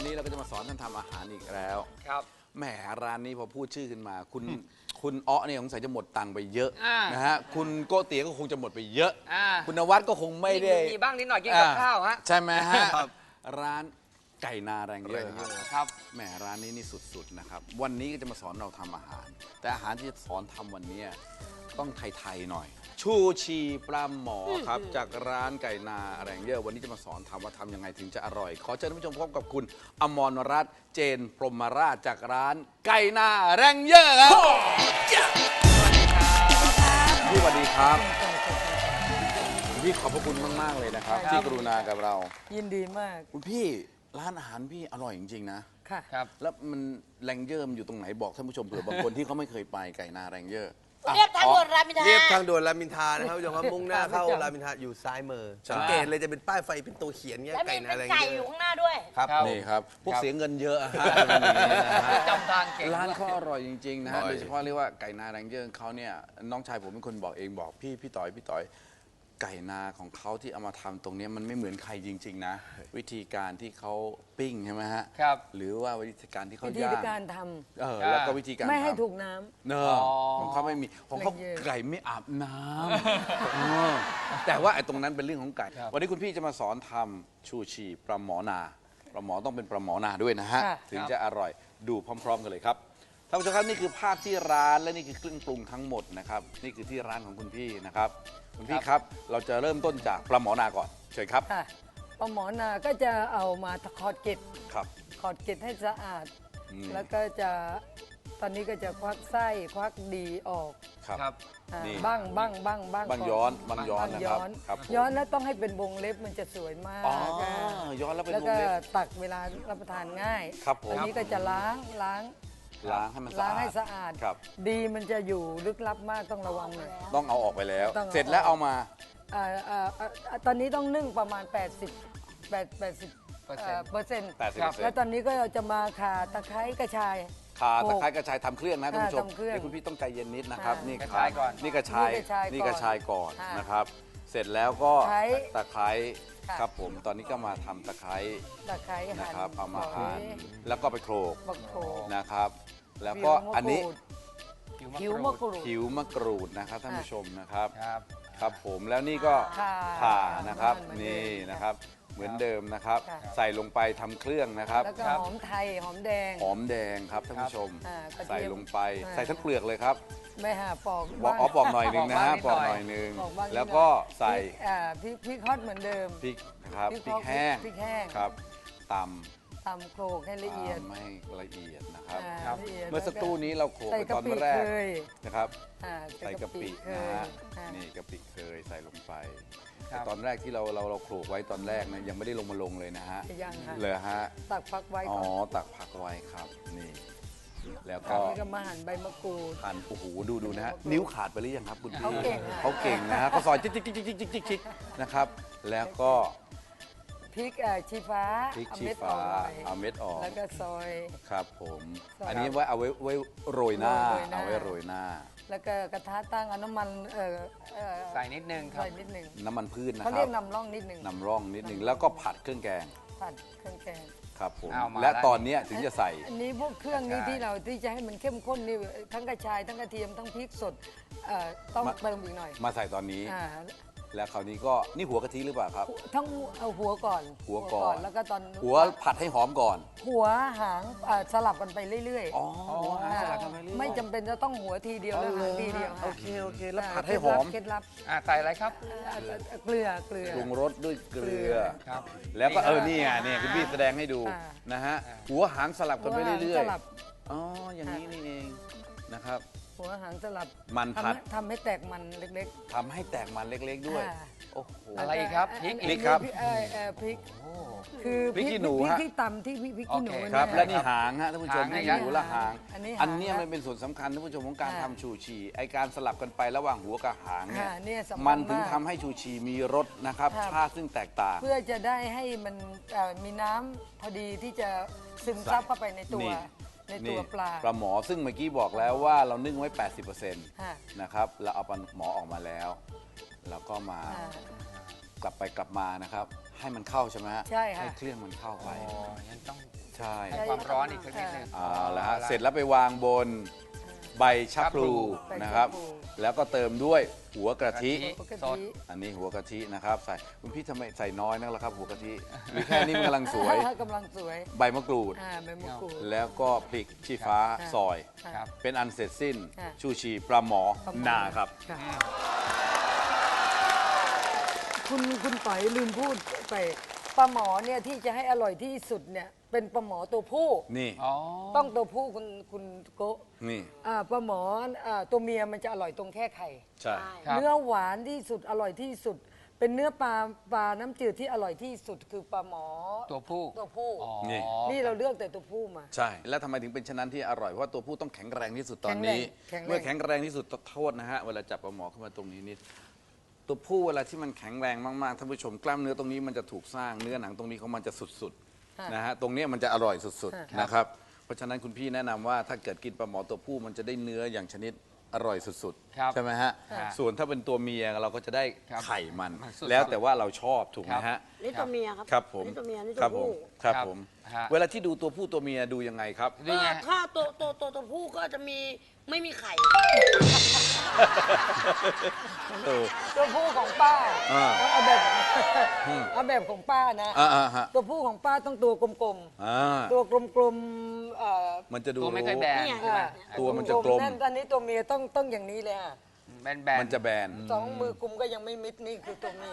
นี้เราก็จะมาสอนท่านทำอาหารอีกแล้วครับแหมร้านนี้พอพูดชื่อขึ้นมาคุณอ้อเนี่ยสงสัยจะหมดตังค์ไปเยอะนะฮะคุณโกเตี๋ยก็คงจะหมดไปเยอะคุณนวัดก็คงไม่ได้มีบ้างนิดหน่อยกินกับข้าวฮะใช่ไหมฮะร้านไก่นาแรงเยอะครับแหมร้านนี้นี่สุดๆนะครับวันนี้ก็จะมาสอนเราทำอาหารแต่อาหารที่จะสอนทำวันนี้ต้องไทยๆหน่อยชูชีปลาหมอครับจากร้านไก่นาแรงเยอะวันนี้จะมาสอนทำว่าทำยังไงถึงจะอร่อยขอเชิญท่านผู้ชมพบกับคุณอมรรัตน์เจนพรหมราชจากร้านไก่นาแรงเยอะครับพี่สวัสดีครับพี่ขอบพระคุณมากๆเลยนะครับที่กรุณากับเรายินดีมากคุณพี่ร้านอาหารพี่อร่อยจริงๆนะค่ะครับแล้วมันแรงเยอร์อยู่ตรงไหนบอกท่านผู้ชมเผื่อบางคนที่เขาไม่เคยไปไก่นาแรงเยอะเรียบทางด่วนรามอินทราเรียบทางด่วนรามอินทรานะครับผู้ชมครับมุ่งหน้าเข้ารามอินทราอยู่ซ้ายมือสังเกตเลยจะเป็นป้ายไฟเป็นตัวเขียนเงี้ยแล้วมีไก่เป็นาน อะไรไก่เงี้อยู่ยข้างหน้าด้วยครับนี่ครับพวกเสียเงินเยอะฮะจำทางเก่งร้านเขาอร่อยจริงๆนะฮะโดยเฉพาะเรียกว่าไก่นาแรงเยอร์เขาเนี่ยน้องชายผมเป็นคนบอกเองบอกพี่ต่อยไก่นาของเขาที่เอามาทำตรงนี้มันไม่เหมือนใครจริงๆนะวิธีการที่เขาปิ้งใช่ไหมฮะครับหรือว่าวิธีการที่เขาวิธีย่างการทแล้วก็วิธีการำไม่ให้ทำถูกน้ำเนอะของเขาไม่มีของเขาไก่ไม่อาบน้ำแต่ว่าไอ้ตรงนั้นเป็นเรื่องของไก่ วันนี้คุณพี่จะมาสอนทำชูชีปลาหมอนาปลาหมอต้องเป็นปลาหมอนาด้วยนะฮะถึงจะอร่อยดูพร้อมๆกันเลยครับท่านผู้ชมครับนี่คือภาพที่ร้านและนี่คือเครื่องปรุงทั้งหมดนะครับนี่คือที่ร้านของคุณพี่นะครับคุณพี่ครับเราจะเริ่มต้นจากปลาหมอนาก่อนเชิญครับค่ะปลาหมอนาก็จะเอามาขอดเกล็ดครับขอดเกล็ดให้สะอาดแล้วก็จะตอนนี้ก็จะควักไส้ควักดีออกครับนี่บ้างบ้างย้อนนะครับครับย้อนแล้วต้องให้เป็นวงเล็บมันจะสวยมากอ๋อย้อนแล้วเป็นแล้ววงก็เล็บตักเวลารับประทานง่ายครับผมอันนี้ก็จะล้างล้างให้มันสะล้างอาให้ดสะอาดครับดีมันจะอยู่ลึกลับมากต้องระวังหน่อยต้องเอาออกไปแล้วต้องเอาเสร็จแล้วเอามาตอนนี้ต้องนึ่งประมาณ 80%เปอร์เซ็นต์ 80% แล้วตอนนี้ก็จะมาข่าตะไคร้กระชายข่าตะไคร้กระชายทำเครื่องนะท่านผู้ชมทำเครื่องนี่คุณพี่ต้องใจเย็นนิดนะครับค่ะนี่กระชายก่อนนี่กระชายนี่กระชายก่อนนี่กระชายก่อนค่ะนะครับ เสร็จแล้วก็ตะไคร้ตะไคร้ค่ะครับผมตอนนี้ก็มาทำตะไคร้ตะไคร้นะหั่นครับเอามาฝหั่นยแล้วก็ไปโขลกบักโขกนะครับ แล้วก็อันนี้ผิวมะกรูดผิวมะกรูดนะครับท่านผู้ชมนะครับครับครับผมแล้วนี่ก็ข่านะครับเหมือนเดิมนี่นะครับเหมือนเดิมนะครับค่ะใส่ลงไปทำเครื่องนะครับแล้วก็หอมไทยหอมแดงหอมแดงครับท่านผู้ชมกระเทียมใส่ลงไปอ่าใส่ทั้งเปลือกเลยครับไม่หาปอกบอกอ๋อปอกหน่อยหนึ่งนะฮะปปออก กหหน่น่ออย ยหนึ่งปอกบ้างนิดหน่อยแล้วก็ใส่พริกฮอตเหมือนเดิมพริกนะครับพริกพริกแห้งพริกแห้งครับตตำโขลกให้ำละเอียดตำให้ละเอียดนะครับครับละยดเมื่อสักครู่นี้เราโขลกใส่ไปกะตอนปิแรกเคยนะครับใส่ใส่กะปิเคนะยฮะอ่านี่กะปิเคยใส่ลงไปครับแต่ตอนแรกที่เราโขลกไว้ตอนแรกนะยังไม่ได้ลงมาลงเลยนะฮะยังค่ะเลยฮะตักพักไว้อ๋อก่อนตักผักไว้ครับนี่แล้วครัก็บนี่ก็มาหั่นใบมะกรูดหั่นโอ้โหดูนะฮะนิ้วขาดไปหรือยังครับคุณพี่เขาเก่งอะเขาเก่งนะฮะเขาซอยจิ๊กนะครับ แล้วก็พริกชี้ฟ้าพริกเอาชี้เม็ดอฟ้าอกหน่อยเอาเม็ดออกแล้วก็ซอยครับผมซอยอันนี้ไว้เอาไว้โรยหน้าโรยหน้าเอาไว้โรยหน้าแล้วก็กระทะตั้งเอาน้ำมันใส่นิดนึงครับใส่นิดหนึ่งน้ำมันพืชนะเขาคเรีรัยบกนำร่องนิดหนึ่งนำร่องนิดหนึ่งแล้วก็ผัดเครื่องแกงผัดเครื่องแกงครับผมเอามาและแล้วตอนเนี้ยถึงจะใส่อันนี้พวกเครื่องนี้กระชายที่เราที่จะให้มันเข้มข้นนี่ทั้งกระชายทั้งกระเทียมทั้งพริกสดต้องเติมอีกหน่อยมาใส่ตอนนี้อ่าแล้วคราวนี้ก็นี่หัวกะทิหรือเปล่าครับทั้งเอาหัวก่อนหัวก่อนแล้วก็ตอนหัวผัดให้หอมก่อนหัวหางสลับกันไปเรื่อยอ๋อหัวหางสลับกันไปเรื่อยไม่จำเป็นจะต้องหัวทีเดียวหรือหางทีเดียวโอเคแล้วผัดให้หอมเคล็ดลับใส่อะไรครับเกลือปรุงรสด้วยเกลือครับแล้วก็นี่ไงเนี่ยคุณพี่แสดงให้ดูอ่านะฮะหัวหางสลับกันไปเรื่อยสลับๆอ๋ออย่างนี้นี่เองนะครับหัวหางสลับมันผัดทำให้แตกมันเล็กทำให้แตกมันเล็กๆด้วยอ่าโอ้โหอะไรอีกครับพริกพริกครับพริกคือพริกขี้หนูพริกฮะที่ตำที่พริกขี้หนูโอเคครับเนี่ยและนี่หางฮะท่านผู้ชมหางนี่นะหูและหางอันนี้หางอันเนี้ยมันเป็นส่วนสำคัญท่านผู้ชมของการอ่าทำชูชีไอการสลับกันไประหว่างหัวกับหางเนี่ยเนี่ยสำคัญมันถึงมากทำให้ชูชีมีรสนะครับครับชาติซึ่งแตกต่างเพื่อจะได้ให้มันมีน้ำพอดีที่จะซึมซับเข้าไปในตัวนี่ในตัวปลาปลาหมอซึ่งเมื่อกี้บอกแล้วว่าเรานึ่งไว้ 80% ค่ะนะครับเราเอาปลาหมอออกมาแล้วแล้วก็มาอ่ากลับไปกลับมานะครับ ให้มันเข้าใช่ไหมฮะใช่ค่ะให้เครื่องมันเข้าไปอ๋องั้นต้องใช่ให้ความร้อนอีกสักนิดนึงเอาละฮะเสร็จแล้วไปวางบนใบชะพลูใบชะพลูนะครับ แล้วก็เติมด้วยหัวกะทิปกสดติอันนี้หัวกะทินะครับใส่คุณพี่ทำไมใส่น้อยนักล่ะครับ หัวกะทิหรือแค่นี้มันกำลังสวยกำลังสวยใบมะกรูดใบมะกรูดแล้วก็พริกชี้ฟ้าค่ะซอยครับเป็นอันเสร็จสิ้นค่ะชูชีปลาหมอประมณนาครับะคุณต่อยลืมพูดไปปลาหมอเนี่ยที่จะให้อร่อยที่สุดเนี่ยเป็นปลาหมอตัวผู้นี่อ๋อต้องตัวผู้คุณโกะนี่ปลาหมอตัวเมียมันจะอร่อยตรงแค่ไข่ใช่ครับเนื้อหวานที่สุดอร่อยที่สุด เป็นเนื้อปลาน้ำจืดที่อร่อยที่สุดคือปลาหมอตัวผู้ตัวผู้อ๋อนี่เราเลือกแต่ตัวผู้มาใช่ แล้วทำไมถึงเป็นชะนั้นที่อร่อยเพราะว่าตัวผู้ต้องแข็งแรงที่สุดตอนนี้แข็งแรงเมื่อแข็งแรงที่สุดโทษนะฮะเวลาจับปลาหมอเข้ามาตรงนี้นิดตัวผู้เวลาที่มันแข็งแรงมากๆท่านผู้ชมกล้ามเนื้อตรงนี้มันจะถูกสร้างเนื้อหนังตรงนี้ของมันจะสุดๆนะฮะตรงเนี้ยมันจะอร่อยสุดๆนะครับเพราะฉะนั้นคุณพี่แนะนำว่าถ้าเกิดกินปลาหมอตัวผู้มันจะได้เนื้ออย่างชนิดอร่อยสุดครับๆใช่ไหมฮะครับส่วนถ้าเป็นตัวเมียเราก็จะได้ครับไข่มันสุดๆแล้วแต่ว่าเราชอบถูกไหมฮะนี่ตัวเมียครับครับผมนี่ตัวเมียนี่คตัรัวบผมผู้ครับครับผมฮะเวลาที่ดูตัวผู้ตัวเมียดูยังไงครับนี่ไงถ้าตัวผู้ก็จะไม่มีไข่เออตัวผู้ของป้าอ่าเอาแบบเอาแบบของป้านะฮะตัวผู้ของป้าต้องตัวกลมอ่าๆตัวกลมๆมันจะดูตัวไม่ค่อยแบนนี่ไงใช่ไหมตัวมันจะกลมนั่นอันนี้ตัวเมียต้องอย่างนี้เลยอะแบนๆมันจะแบนสองมือกุมก็ยังไม่มิดนี่คือตัวเมีย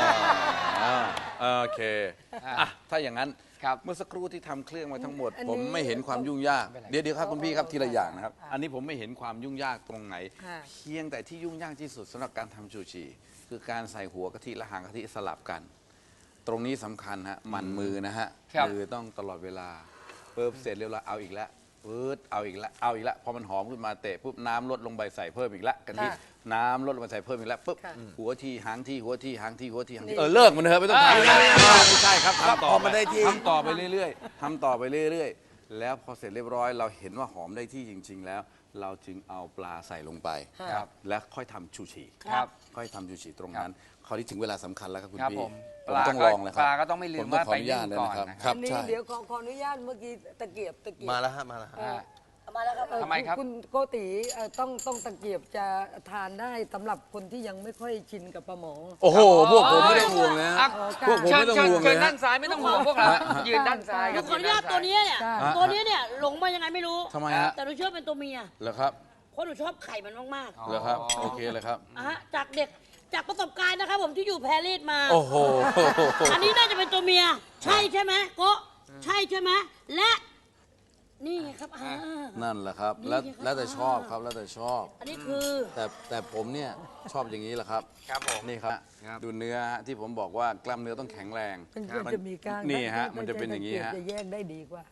โอเคอ่ะถ้าอย่างนั้นครับเมื่อสักครู่ที่ทำเครื่องมาทั้งหมดอันนี้ผมไม่เห็นความยุ่งยาก เดี๋ยวครับคุณพี่ครับทีละอย่างนะครับ อันนี้ผมไม่เห็นความยุ่งยากตรงไหนค่ะเพียงแต่ที่ยุ่งยากที่สุดสำหรับการทำชูชี คือการใส่หัวกะทิและหางกะทิสลับกัน ตรงนี้สำคัญฮะหมันมือนะฮะครับมือต้องตลอดเวลาปุ๊บเสร็จเรียบร้อยเอาอีกแล้วปุ๊บเอาอีกแล้วเอาอีกแล้วพอมันหอมขึ้นมาเตะปุ๊บน้ำลดลงไปใส่เพิ่มอีกแล้วกะทิค่ะน้ำลดลงไปใส่เพิ่มอีกแล้วปุ๊บค่ะหัวทีหางทีหัวทีหางทีหัวทีหางทีนี่เลิกมันเถอะไม่ต้องทำไม่ใช่ครับทำต่อพอมันได้ที่ทำต่อไปเรื่อยๆทำต่อไปเรื่อยๆ แล้วพอเสร็จเรียบร้อยเราเห็นว่าหอมได้ที่จริง ๆ แล้ว เราจึงเอาปลาใส่ลงไปครับและค่อยทำชูชีครับค่อยทำชูชีตรงนั้นคราวนี้ถึงเวลาสำคัญแล้วครับคุณครับพี่ผมผมต้องลองแล้วครับปลาก็ต้องไม่ลืมผต้องขออนุญาตว่าไปนึ่เลยงก่อนนะครับนะครับครับอันนี้ใช่เดี๋ยวขออนุญาตเมื่อกี้ตะเกียบมาแล้วฮะมาแล้วฮะอ่าเอามาแล้วครับทำไมครับคุณโกติต้องตะเกียบจะทานได้สำหรับคนที่ยังไม่ค่อยชินกับปลาหมอโอ้โหพวกผมไม่ต้องห่วงเลยอ่ะฮะ พวกผมไม่ต้องห่วงเลยเชิญฮะด้านซ้ายไม่ต้องห่วงพวกเรายืนด้านซ้ายครับขออนุญาตตัวนี้เนี่ยจ้าตัวนี้เนี่ยหลงมายังไงไม่รู้ทำไมฮะแต่หนูเชื่อเป็นตัวเมียเหรอครับเพราะหนูชอบไข่มันมากเหรอครับโอเคเลยครับๆฮะจากเด็กจากประสบการณ์นะครับผมที่อยู่แพรรีสมาโอ้โหอันนี้น่าจะเป็นตัวเมีย ใช่ไหมโกะใช่ใช่ไหมและนี่ไงครับนั่นแหละครับ แล้วแต่ชอบครับแล้วแต่ชอบอันนี้คือแต่ผมเนี่ยชอบอย่างนี้แหละครับครับผมนี่ครับครับดูเนื้อฮะที่ผมบอกว่ากล้ามเนื้อต้องแข็งแรงมันจะมีก้างนี่ฮะถ้มันจะเป็นอย่างนี้ฮะจะแยกได้ดีกว่า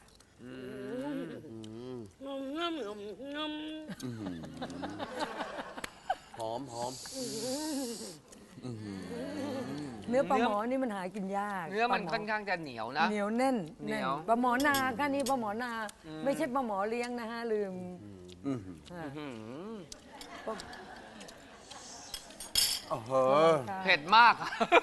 หอมหอมเนื้อปลาหมอนี่มันหากินยากเนื้อมันปลาหค่อนข้างจะเหนียวนะเหนียวแน่นเหนียวปลาหมอนาค่ะนี่ปลาหมอนา ไม่ใช่ปลาหมอเลี้ยงนะฮะลืมอื้อหืออ่าหืมโอ้โหค่ะเผ็ดมาก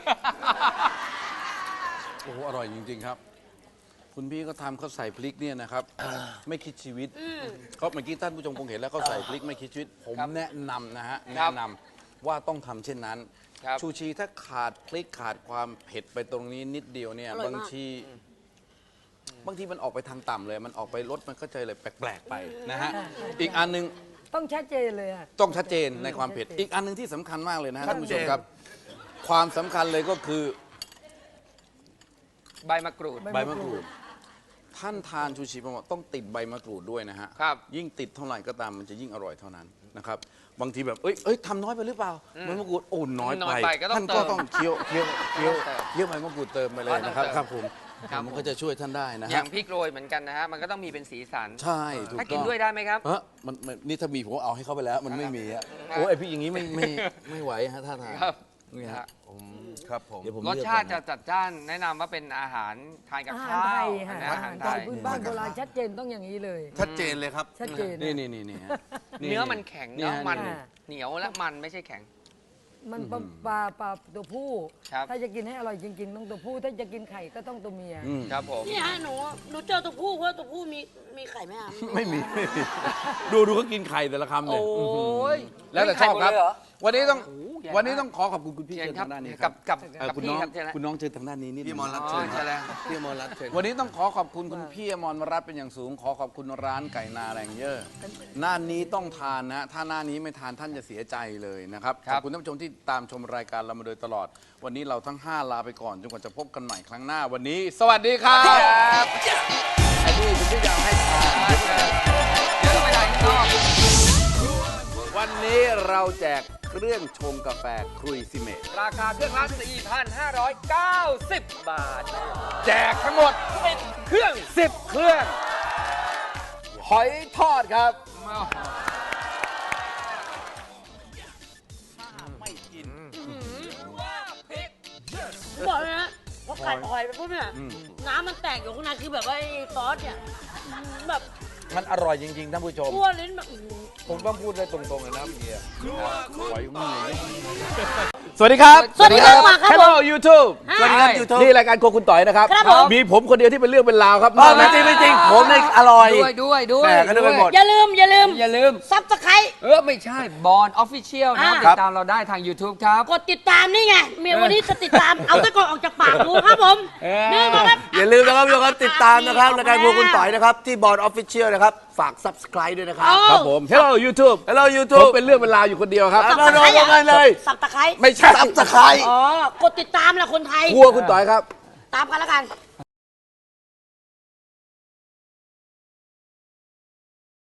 โอ้โหอร่อยจริง ๆ ครับ คุณพี่ก็ทำเขาใส่พริกเนี่ยนะครับ ไม่คิดชีวิตก็เมื่อกี้ท่านผู้ชมคงเห็นแล้วเขาใส่พริกไม่คิดชีวิต ผมครับแนะนำนะฮะครัแนะบนำว่าต้องทำเช่นนั้นครับชูชีถ้าขาดพริกขาดความเผ็ดไปตรงนี้นิดเดียวเนี่ยอร่อยมากบางทีมันออกไปทางต่ำเลย มันออกไปรสมันก็จะเลยแปลกๆไปนะฮะอีกอันหนึงต้องชัดเจนเลยอะต้องชัดเจนในความเผ็ด อีกอันหนึงที่สำคัญมากเลยนะฮะท่านผู้ชมครับ ความสำคัญเลยก็คือใบมะกรูดใบมะกรูด ท่านทานชูชีปลาหมอต้องติดใบมะกรูดด้วยนะฮะครับยิ่งติดเท่าไหร่ก็ตามมันจะยิ่งอร่อยเท่านั้นนะครับ บางทีแบบ เอ้ยทำน้อยไปหรือเปล่าใบมะกรูดโอ้น้อยน้อยไปไปก็ต้องท่านก็เติมต้องเคี้ยวใบมะกรูดเติมไปเลยนะครับต้องเติมครับผมครับมันก็จะช่วยท่านได้นะอฮะย่างพริกโรยเหมือนกันนะฮะ มันก็ต้องมีเป็นสีสันใช่ถูกถ้าต้กินองด้วยได้ไหมครับเฮ้มันนี่ถ้ามีผมเอาให้เขาไปแล้ว มันไม่มีอะโอ้ไอพี่อย่างนี้ไม่ไหวฮะท่าทางครับนี่ฮะครับผมเดี๋ยวผมรสเลือกชาติก่จะอนนะจัดจ้านแนะนำว่าเป็นอาหารทานกับอาหารข้าไทวยค่ะอาหารไทยพื้นบ้านโบราณชัดเจนต้องอย่างนี้เลยชัดเจนเลยครับชัดเจนนี่ฮะเนื้อมันแข็งนี่เนาะฮะมันอ่าเหนียวและมันไม่ใช่แข็งมันปลาตัวผู้ครับถ้าจะกินให้อร่อยจริงๆต้องตัวผู้ถ้าจะกินไข่ก็ต้องตัวเมียครับผมนี่ฮะหนูเจอตัวผู้เพราะตัวผู้มีไข่ไหมอ่ะไม่มีดูเขากินไข่แต่ละคำเนี่ยโอ้ยแล้วแต่ชอบครับไข่หมดเลยเหรอวันนี้ต้องโอ้โหใหญ่มากวันนี้ต้องขอขอบคุณคุณพี่เชิเชิญญครับทางด้านนี้คกัรับบ กับคุณพี่น้องครับเชิญนะคุณน้องเชิญทางด้านนี้นิดพี่นึงมอรัตอ๋เชิอญใช่แล้วพี่มอรัตเชิญวันนี้ต้องขอขอบคุณคุณพี่อมรรัตน์เป็นอย่างสูง ขอขอบคุณร้านไก่นาแรงเยอะหน้านี้ต้องทานนะ ถ้าหน้านี้ไม่ทานท่านจะเสียใจเลยนะครับคขรับอบคุณท่านผู้ชมที่ตามชมรายการเรามาโดยตลอด วันนี้เราทั้ง 5 ลาไปก่อนจนกว่าจะพบกันใหม่ครั้งหน้าวันนี้ สวัสดีครับไอ้นี่คุณพี่อยากให้ทานเดี๋ยวเราไปไหนข้างนอกวันนี้เราแจกเครื่องชงกาแฟครุยซิเมตราคาเครื่องละ 4,590 บาทแจกทั้งหมดเครื่อง 10 เครื่อง หอยทอดครับบอกเลยนะพอกัดหอยไปปุ๊บเนี่ยน้ำมันแตกอยู่ข้างในคือแบบว่าไอ้ซอสเนี่ยแบบมันอร่อยจริง ๆ ท่านผู้ชมทั่วลิ้นแบบผมต้องพูดได้ตรงๆเลยนะพี่หอยมือสวัสดีครับสวัสดีครับมาครับผม Hello YouTube สวัสดีครับ YouTube นี่รายการโครัวคุณต่อยนะครับครับผมมีผมคนเดียวที่เป็นเรื่องเป็นราวครับไม่จริงไม่จริงผมเนี่ยอร่อยด้วยแหม่ก็นึกไปหมดอย่าลืมอย่าลืมซับสไครไม่ใช่บอลออฟฟิเชียลนะอ่าติดตามเราได้ทาง YouTube ครับกดติดตามนี่ไงเมียวันนี้จะติดตาม เอาตะกอนออกจากปากดูครับผมนี่มาครับอย่าลืมนะครับทุกคนติดตามนะครับรายการพวกคุณต่อยนะครับที่บอร์ดออฟฟิเชียลนะครับฝาก subscribe ด้วยนะครับครับผม Hello YouTube Hello ผม YouTube เป็นเรื่องเป็นราวอยู่คนเดียวครับเอาโดนกันเลยสับตะไคร้ไม่ใช่ subscribe อ๋อกดติดตามแหละคนไทยครัวคุณต่อยครับตามกันแล้วกัน